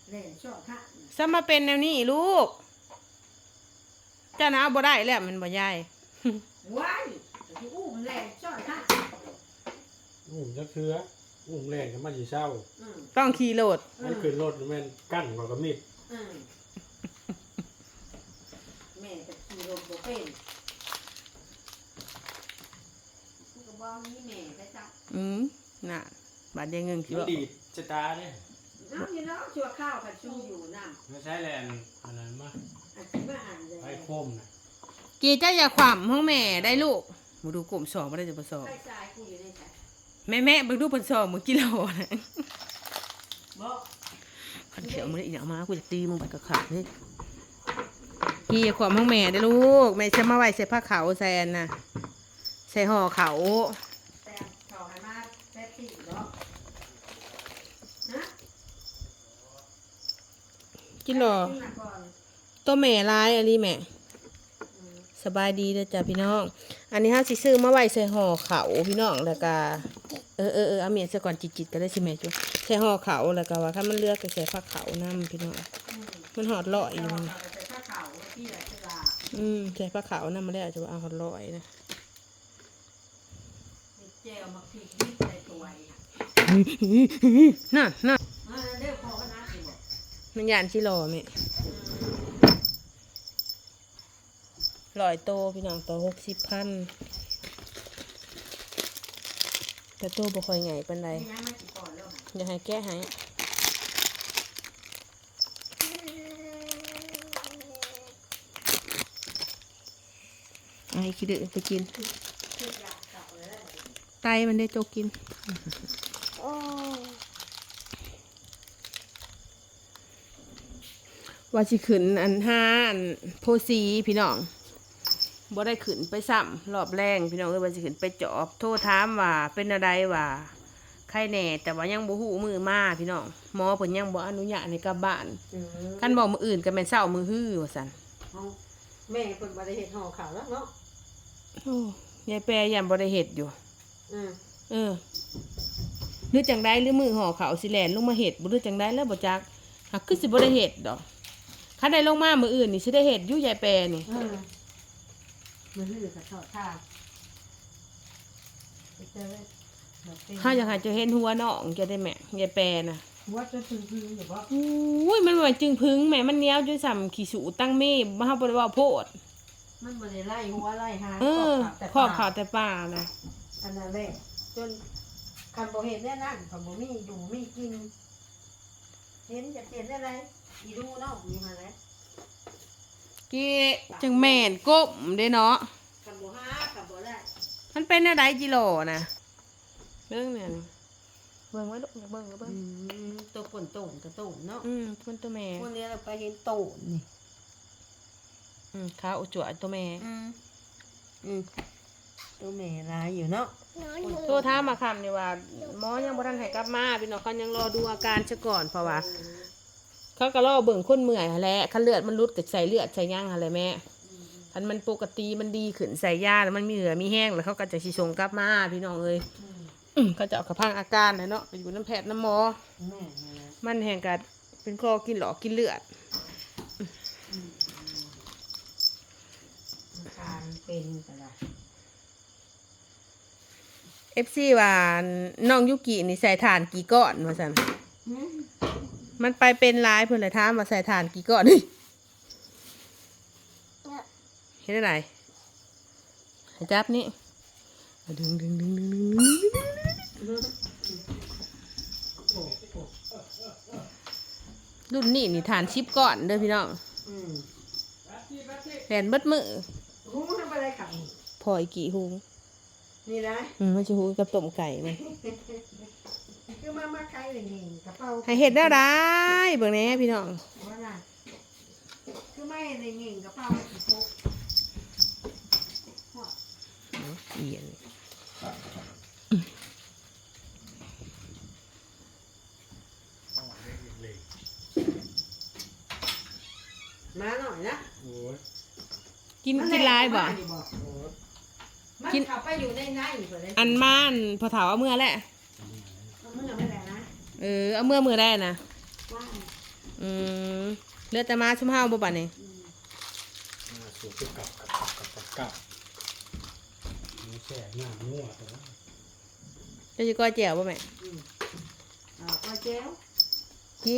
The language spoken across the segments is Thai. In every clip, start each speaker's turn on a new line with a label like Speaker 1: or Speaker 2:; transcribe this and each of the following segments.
Speaker 1: เล่นชอบท่า
Speaker 2: ซะมาเป็นแนวนี้ลูกเจ้าหน้าบ่ได้แล้วมันบ่ยาย
Speaker 1: ว้ายที่อู้มันเล่นชอบท่า
Speaker 3: จะเชื้อแรงกันมาจีเศร้า
Speaker 2: ต้องขี่โหลด
Speaker 3: มันขึ้นรถแม่นกั้นกับมิด
Speaker 1: แม่จะขี่รถบ่เป็นก็บอกนี่แม่ไปจับ
Speaker 2: น่ะบาดยังเงินสิ
Speaker 3: มัน
Speaker 2: บ่
Speaker 3: ดีดจะตาเนี่ย
Speaker 1: น้ำอยู่เนาะชัวข้าวผัดชูอยู่น้ำ
Speaker 3: ไม่ใช่แลนอะไรมา
Speaker 1: อันที่มาอ่านเลย
Speaker 3: ไฟโคมนะ
Speaker 2: กีเจ้าอย่าขวำห้องแม่ได้ลูกมาดูกลุ่มสองบ่ได้จะบ่สอบ
Speaker 1: ไฟสายกูอยู่ในใจ
Speaker 2: แม่เบิ่งดูเพิ่นสอบมื้อกิโลนะ
Speaker 1: บอก
Speaker 2: คันเขียวมื้อนี้อีหยังมากูจะตีมึงไปกะขาดเด้กีอย่าขวำห้องแม่ได้ลูกแม่จะมาไว้ใส่ผ้าขาวใส่อันน่ะใส่ห่อเขาว
Speaker 1: แต่เขาให้มาแป๊บติเนาะนะ
Speaker 2: กินหรอ
Speaker 1: ขึ้นมาก่อน
Speaker 2: ตัวแม่ร้ายอันนี้แม่สบายดีเด้อจ้ะพี่น้องอันนี้เฮาสิซื้อมาไว้ใส่ห่อเขาวพี่น้องแล้วก็เอาเมียซะก่อนจิตๆก็ได้สิแม่จุใส่ห่อเขาวแล้วก็ว่าถ้ามันเลือกก็ใส่ผ้าขาวนํพี่น้องมันหอดลอยอยู่มัน
Speaker 1: เราจะใส่ผ้าขาวที่ไหนจะลา
Speaker 2: ใส่ผ้าขาวนํมาแล้วจะว่าเอาหอดลอยนะ
Speaker 1: เจลมาพริกนิดใส่ตัวอีก
Speaker 2: น่ะ
Speaker 1: เรียกพอก็น่ากินบอก
Speaker 2: มันยานสิรอแม่ลอยโตพี่น้องโต60,000แต่โตบ่ค่อยใหญ่ปานใด
Speaker 1: นี่ยังไม่กี่ก่อนแล้วค่ะ
Speaker 2: อย่าให้แก้ให้ไอ้ขี้ดื้อไปกิน
Speaker 1: คืออยากกลับเลยแล้ว
Speaker 2: ไตมันได้โจกกินว่าสิขึ้นอันห้าอันโพสีพี่น้องบ่ได้ขึ้นไปซ้ำรอบแรงพี่น้องว่าสิขึ้นไปจอบโทรถามว่าเป็นอะไรว่าใครแน่แต่ว่ายังบ่ฮู้มือมาพี่น้องหมอเพิ่นยังบ่อนุญาตให้กลับบ้านคันบอกมื้ออื่นก็แม่นเช้ามื้อฮื้อว่าซั่น
Speaker 1: แม่คนบริเหตุห่อข่าวแล้วเนาะ
Speaker 2: โอ้ยายแปรยันบ่ได้เฮ็ดอยู่
Speaker 1: อืม
Speaker 2: หรือจังไดหรือมือห่อเขาวสิแล่นลงมาเฮ็ดบ่หรือจังไดแล้วบ่จักหักคือสิบ่ได้เฮ็ดดอกคันได้ลงมามื้ออื่นนี่สิได้เฮ็ดอยู่ยายแปรนี่
Speaker 1: มันหื้อกับทอดข้าวไปเจอแบบเป็น
Speaker 2: เฮาอยากให้เจะเห็นหัวน้องจะได้แม่ยายแปรน่ะ
Speaker 1: หัวจนพึ่งอยู่บ่
Speaker 2: อุ้ยมันบ่จึงพึงแม่มันเหนียวจนส่ำขี้สูตั้งเมฆบ่เฮาบ่ได้เว้าโพด
Speaker 1: มันบ่ได้ไล่หัวไล่หาง
Speaker 2: ขอบข่าวแต่ป่านะ
Speaker 1: อันนั้นแหละจนคันบ่เห็นแน่นั่นคันบ่มีอยู่มีกิน เห็นจะเปลี่ยนอะไรอีดูเนาะมีมาแล้ว
Speaker 2: กี้จังแม่นก้มเด้เนาะ
Speaker 1: คันบ่หาคันบ่ได้
Speaker 2: มันเป็นอะไรกิโลนะเรื่องเนี่ยเบิ่งไว้ลูกอย่าเบิ่งอย่าเบิ่ง
Speaker 1: ตัวป่นโต่งกระโต่งเนาะ
Speaker 2: มันตัวแม่
Speaker 1: พวกนี้เราไปเห็นโต่งนี่
Speaker 2: ขาอุจจวตัวแม่
Speaker 1: ตัวแม่ร้ายอยู่เนาะ
Speaker 2: โทรถามมาคำนี่ว่าหมอยังบ่ทันให้กลับมาพี่น้องเขายังรอดูอาการซะก่อนเพราะว่าเขาก็รอเบิ่งคนเมื่อยหั่นแหละคันเลือดมันรุดก็ใส่เลือดใส่ย่างหั่นแหละแม่คันมันปกติมันดีขึ้นใส่ยาแล้วมันมีเหลือมีแห้งแล้วเขาก็จะสิส่งกลับมาพี่น้องเอ้ยเขาจะเอากระพังอาการนะเนาะไปอยู่น้ำแพทย์น้ำหมอ
Speaker 1: แม่
Speaker 2: มันแห่งกัดเป็นคอกินหลอกกินเลือด
Speaker 1: ทานเป็นกันละ
Speaker 2: FC ว่าน้องยุกินี่ใส่ถ่านกี่ก้อนว่าซั่นมันไปเป็นหลายเพิ่นเลยถามว่าใส่ถ่านกี่ก้อนเฮ้ยเห็นได้ไหนให้จับนี่ดึงรุ่นนี้นี่ถ่าน10ก้อนเด้อพี่น้องแผ่นเบิดมือ
Speaker 1: หูทำอะไรขับ
Speaker 2: พออีกกี่หุง
Speaker 1: นี่นะ
Speaker 2: มันจะหุงกับต้มไก่ไหม
Speaker 1: คือมาใครเลยนี่กระเป๋า
Speaker 2: ให้เห็ดได้ไรเบิ่งแหน่พี่น้อง
Speaker 1: ว่าน่ะคือไม่เลยเง่งกระเป๋าอีโป๊ก
Speaker 2: เอียน
Speaker 1: มาหน่อยนะ
Speaker 3: โอ้ย
Speaker 2: กินลายบ่
Speaker 1: มันขับไปอยู่ในไหนอยู่เลย
Speaker 2: อันม่านพอเถาเอาเมื่อแหละ
Speaker 1: เมื่อไม่ได้นะ
Speaker 2: เอาเมื่อได้นะ
Speaker 1: ว่า
Speaker 2: อืมเหลือแต่มาชุมเฮาบ่บัดนี้
Speaker 3: มาสู่ที่กับนี่แช่หน้านัวแต่ว่า
Speaker 2: จะสิก้อยแจ่วบ่แม่
Speaker 1: ก็แจ้ว
Speaker 2: กี้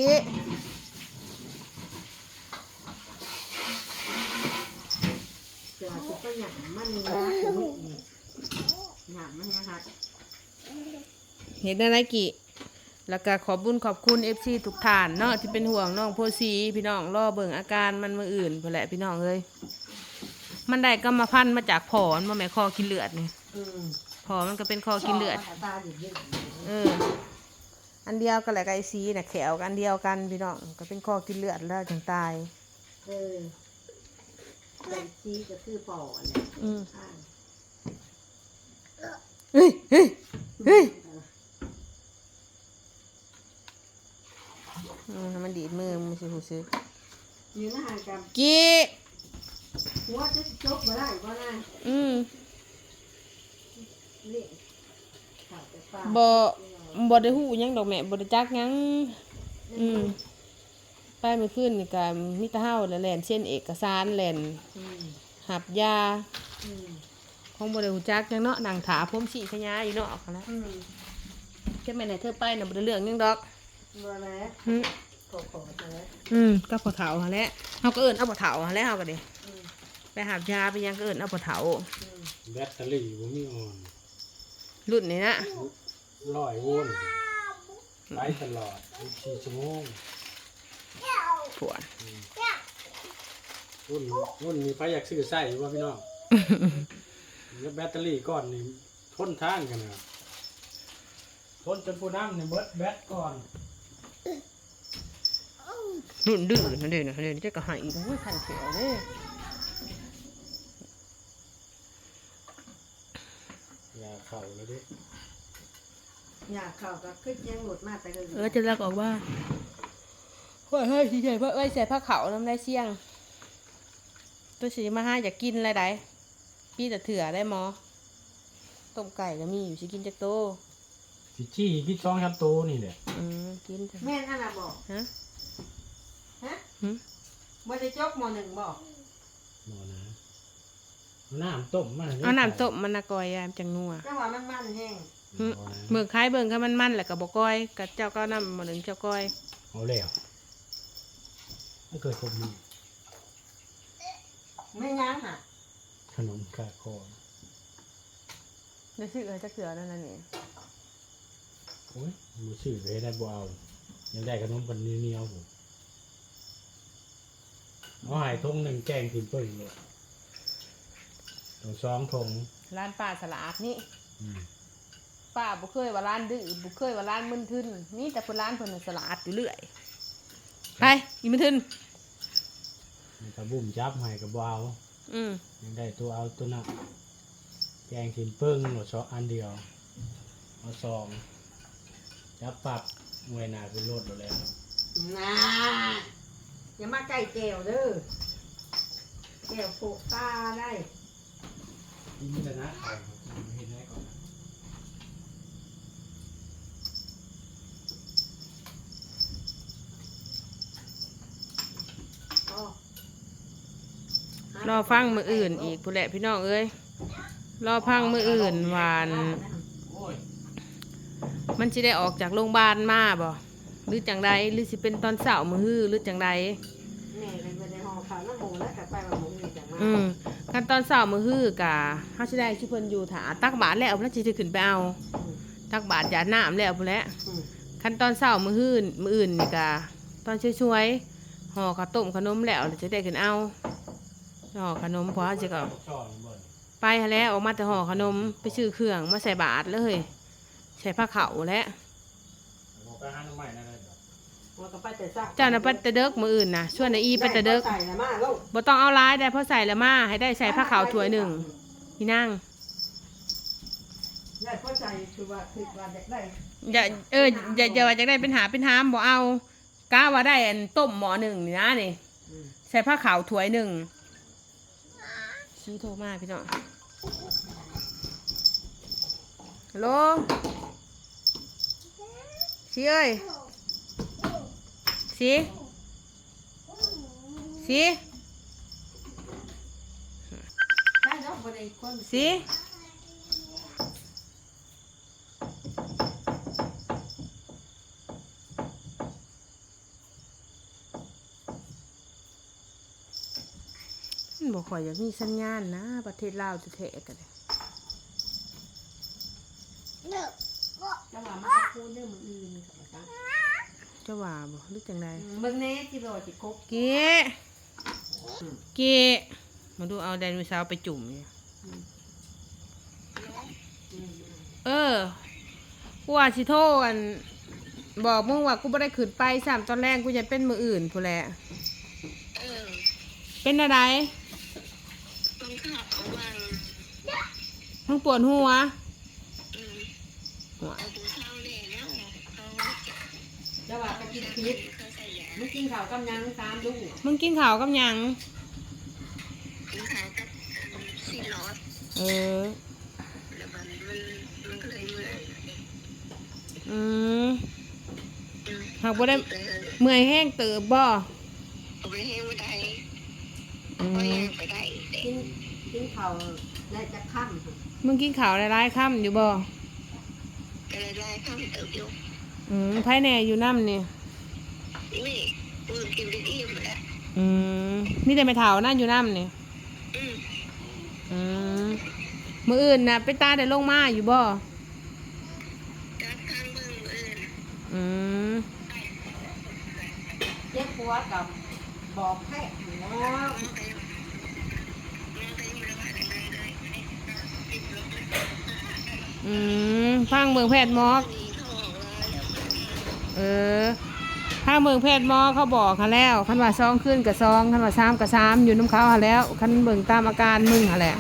Speaker 1: เดี๋ยวจะก็หยำมันหยำมันนะคะ
Speaker 2: เห็นอะไรกี่แล้วก็ขอบบุญขอบคุณ FC ทุกท่านเนาะที่เป็นห่วงน้องโพสีพี่น้องรอเบิ่งอาการมันมื้ออื่นพุ่นแหละพี่น้องเอ้ยมันได้กรรมพันธุ์มาจากผอมันบ่แม่นคอกินเลือดนี่ผอมันก็เป็นคอกินเลือดอันเดียวกันแหละกับไอซีน่ะแขวกันเดียวกันพี่น้องก็เป็นคอกินเลือดแล้วถึงตาย
Speaker 1: แต่ซีก็คือปอด
Speaker 2: เฮ้ยเฮ้ยเฮ้ยมันดีดมือมันสิหูซื้อ
Speaker 1: ยืนห่างกัน
Speaker 2: กี้
Speaker 1: หัวจะจบมาได้ก็ได้นี่
Speaker 2: บ่ได้หูหยังดอกแม่บ่ได้จักหยังไปเมื่อคืนนี่ก็มีแต่เฮาแล่นเส้นเอกสารแล่นหับยาของบ่ได้ฮู้จักหยังเนาะนั่งถาผมสิขยาอยู่เนาะคั่นนะแค่แม่ไหนเธอไปน่ะบ่ได้เรื่องหยังดอก
Speaker 1: บ่แล้วขอแล้ว
Speaker 2: ก็พ่อเฒ่าหั่นแหละเฮาก็เอิ้นเอาพ่อเฒ่าหั่นแหละเฮาก็ดิไปหับยาไปยังก็เอิ้นเอาพ่อเฒ่า
Speaker 3: แบตเตอรี่บ่มีออน
Speaker 2: รุ่นนี้นะ
Speaker 3: 100 โวลต์ไลฟ์ตลอด24 ชั่วโมง
Speaker 2: ปวด
Speaker 3: รุ่นนี้ไปอยากซื้อใส่ว่าพี่น้องแล้วแบตเตอรี่ก้อนนี่ทนทานกันนะทนจนผู้น้ำเนี่ยเบิดแบตก่อน
Speaker 2: รุ่นดื้อนั่นเด้นะเดี๋ยวจะก็หายอีกโอ้ยขันเขียวเด้
Speaker 3: ยาเข่าเลยดิ
Speaker 1: ยาเข่าก็ขึ้นยังหลุดมากแต่เลย
Speaker 2: จะรักออกว่าเฮ้ยใส่ผ้าใส่ผ้าขาวน้ำได้เสี่ยงตัวสีมาห้าอยากกินอะไรได้พี่แต่เถื่อได้หมอต้มไก่ก็มีอยู่สิกินจากโต
Speaker 3: จี้กิน2 3 โตนี่แหละ
Speaker 2: กิน
Speaker 1: แม่นอะไรบอกฮะบ่ได้จบม.1บอก
Speaker 3: มอนะน้ำต้มมัน
Speaker 2: เอาน้ำต้มมันนะก้อยจังนัว
Speaker 1: จังหวะมันแห้ง
Speaker 2: เบิ่งคล้ายเบิ่งก็มันแหละกับบ่ก้อยกับเจ้าก็น้ำม.1เจ้าก้อย
Speaker 3: เอาแล้วไม่เคยคบมี
Speaker 1: ไม่ยั้งค่ะ
Speaker 3: ขนมกาคอ
Speaker 2: ได้ซื้อจะเกลือนั่นน่ะนี่
Speaker 3: โอ้ยมือซื้อไปได้บ่เอายังได้ขนมปันเหนียวผมเอาหายทง1แกงกินเปิ้ลเลยต้อง2 ทง
Speaker 2: ร้านป้าสลัดนี่ป้าบุเคยว่าร้านดื้อบุเคยว่าร้านมึนทึนนี่แต่คนร้านเพิ่นสลัดอยู่เรื่อยไปอีมึนทึน
Speaker 3: กระบุ่มจับให้กับเอายังได้ตัวเอาตัวน่ะแกงกินเปิ้งหมด2 อันเดียวเอา2จับปรับมวยหนาเป็นรถแล้ว
Speaker 1: น่าอย่ามาใกล้แก้วเด้อแก้วโปะตาได้
Speaker 3: นี่แหละนะเห็นได้ก่อน
Speaker 2: รอฟังมืออื่นอีกผู้แหละพี่น้องเอ้ยรอพังมืออื่นวานมันจะได้ออกจากโรงพยาบาลมาบ่หรือจังใดหรือสิเป็นตอนเสาร์มือฮื้อหรือจังใดกันตอนเสาร์มือฮื้อกะเฮาสิได้ชื่อเพิ่นอยู่ถาตักบาตรแล้วเพิ่นสิขึ้นไปเอาตักบาตรหยาดน้ำแล้วพุ่นแหละคันตอนเสาร์มือฮื้อมืออื่นนี่กะตอนช่วยๆห่อข้าวต้มขนมแล้วจะได้ขึ้นเอาห่อขนมพอจะก็ไปแล้วออกมาแต่ห่อขนมไปซื้อเครื่องมาใส่บาตรเลยใส่ผ้าขาวและเจ้าน่ะไปตะเด็กมืออื่นนะช่วยในอีไปตะเด็กบ่ต้องเอาร้ายได้เพราะใส่ละมาให้ได้ใส่ผ้าขาวถ้วย1พี่นั่ง
Speaker 1: ได้เข้าใจคือว่าได้
Speaker 2: อย่าว่าจะได้เป็นหามบ่เอาก้าว่าได้อันต้มหม้อ1นี่นะนี่ใส่ผ้าขาวถ้วย1ชี้โทรมาพี่น้องฮัลโหลชี้เอ้ยชี้สิ
Speaker 1: ได้เนาะบ่ได้คน
Speaker 2: สิมันบ่ค่อยอยากมีสัญญาณนะประเทศลาวแท้ๆกันเลย
Speaker 1: จังหวะมาพูดเรื่องมืออื่นกับมาตั้ง
Speaker 2: เจ้าว่าบ่หรือจังได
Speaker 1: เบิ่งแน่ที่รอจิครบ
Speaker 2: เกมาดูเอาไดโนเสาร์ไปจุ่มอยู่กูว่าสิโทรอันบอกมึงว่ากูบ่ได้ขึ้นไป3ตอนแรกกูจะเป็นมืออื่นพู้นแหละเป็นอะไรมึงปวดหัวหัว
Speaker 1: จังหวะไปกินพิษมึงกินข้าวกำยังตามดู
Speaker 2: มึงกินข้าวกับหยัง
Speaker 4: กินข้าวกับซีรอส
Speaker 2: เออ
Speaker 4: แล้วมันก็เลยเมื่อย
Speaker 2: อืมหากบ่ได้เมื่อยแห้งเติบบ่
Speaker 4: เอาไปให้ไม่ได้
Speaker 2: อื
Speaker 4: ก็
Speaker 2: ม
Speaker 4: ยังไปได้แต่
Speaker 1: กินข้าวได้จะค่ำ
Speaker 2: มึงกินข้าวหลายๆค่ำอยู่บ่
Speaker 4: ก็เลยได้ข้าวเติบอยู่
Speaker 2: ไผแหน่อยู่น้ำนี่
Speaker 4: นี่ปืนกินไปอิ่มแล้ว
Speaker 2: มีแต่ไม่เฒ่านั่นอยู่น้ำนี่
Speaker 4: อืม
Speaker 2: มื้ออื่นน่ะไปตาได้ลงมาอยู่บ่
Speaker 4: การทางเมืองอื่น
Speaker 2: อืม
Speaker 1: เจ็บปวดกับบอกแพทย์อยู่แล้ว
Speaker 4: มองไปอยู่ระหว่างเลยติดลบเลย
Speaker 2: ฟังเมืองแพทย์หมอ
Speaker 4: มีทองแล้ว
Speaker 2: ถ้าเมืองแพทย์หมอเขาบอกเขาแล้วคันว่า2คืนกับ2คันว่า3กับ3อยู่น้ำเขาหาแล้วคันเบิ่งตามอาการมึงหาแหละ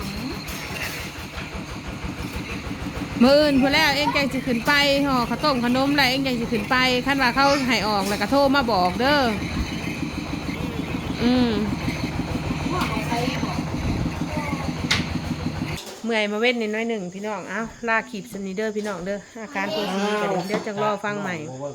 Speaker 2: มื้ออื่นพุ่นแล้วเองจังสิขึ้นไปห่อข้าวต้มขนมอะไรเองจังสิขึ้นไปคันว่าเขาให้ออกแล้วก็โทรมาบอกเด้อเมื่อยมาเว้นนิดน้อยหนึ่งพี่น้องเอ้าลาขีบสนิเด้อพี่น้องเด้ออาการปวดนี้ก็เดี๋ยวจังรอฟังใหม่